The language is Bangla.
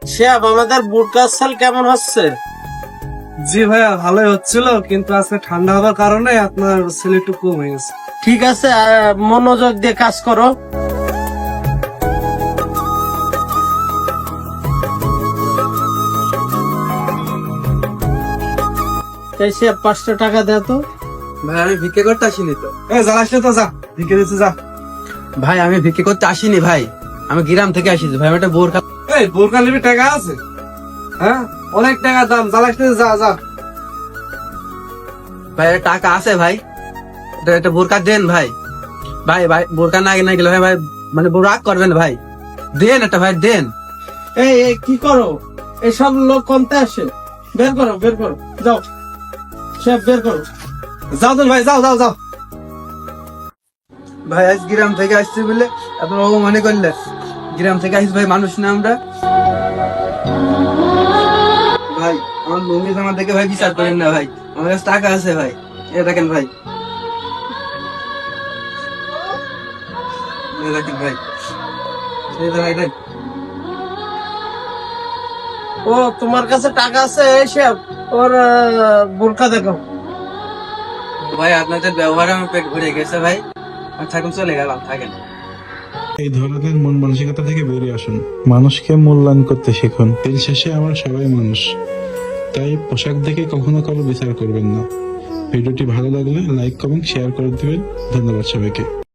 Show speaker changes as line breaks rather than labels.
শিহাব, আমাদের বুট গাছ সেল কেমন হচ্ছে?
জি ভাইয়া, ভালোই হচ্ছিল, কিন্তু আজকে ঠান্ডা হওয়ার কারণে আপনার সেল একটু কম হয়ে গেছে।
ঠিক আছে, মনোযোগ দিয়ে কাজ করো। এই শিহাব, 500 টাকা দে তো।
ভাই আমি ভিক্ষে করতে আসিনি তো।
জ্বালাস না তো, যা ভিকে দিচ্ছে যা।
ভাই আমি ভিক্ষে করতে আসিনি ভাই, আমি গ্রাম থেকে আসিছি ভাই। আমি একটা বোরকা।
এই বোরকা নিবি, টাকা আছে? হ্যাঁ, অনেক টাকা দাম, জ্বালাস না, যা যা।
ভাই এর টাকা আছে ভাই, একটা বোরকা দেন ভাই। ভাই ভাই বোরকা না না গেলে ভাই ভাই মানে রাগ করবেন ভাই, দেন একটা ভাই দেন।
এই কি করো? এসব লোক কমতে আসে, বের করো বের করো, যাও শিহাব বের করো।
যাও তো ভাই, যাও যাও যাও।
ভাই আজ গ্রাম থেকে আসছি বলে আপনার মনে করলে গ্রাম থেকে আসছি ভাই, মানুষ না আমরা। ভাই আমার লুঙ্গি জামা দেখে ভাই বিচার করেন না ভাই, আমার কাছে টাকা আছে ভাই, এ দেখেন ভাই, এ দেখেন ভাই, এই দেখেন।
ও, তোমার কাছে টাকা আছে? এই শিহাব, ওর বোরকা দেখো।
ভাই আপনাদের ব্যবহারে আমার পেট ভরে গেছে ভাই, আমি থাকুন চলে গেলাম, থাকেন।
এই ধরনের মন মানসিকতা থেকে বেরিয়ে আসুন, মানুষকে মূল্যায়ন করতে শিখুন। দিন শেষে আমরা সবাই মানুষ, তাই পোশাক দেখে কখনো কারো বিচার করবেন না। ভিডিওটি ভালো লাগলে লাইক কমেন্ট শেয়ার করে দিবেন। ধন্যবাদ সবাইকে।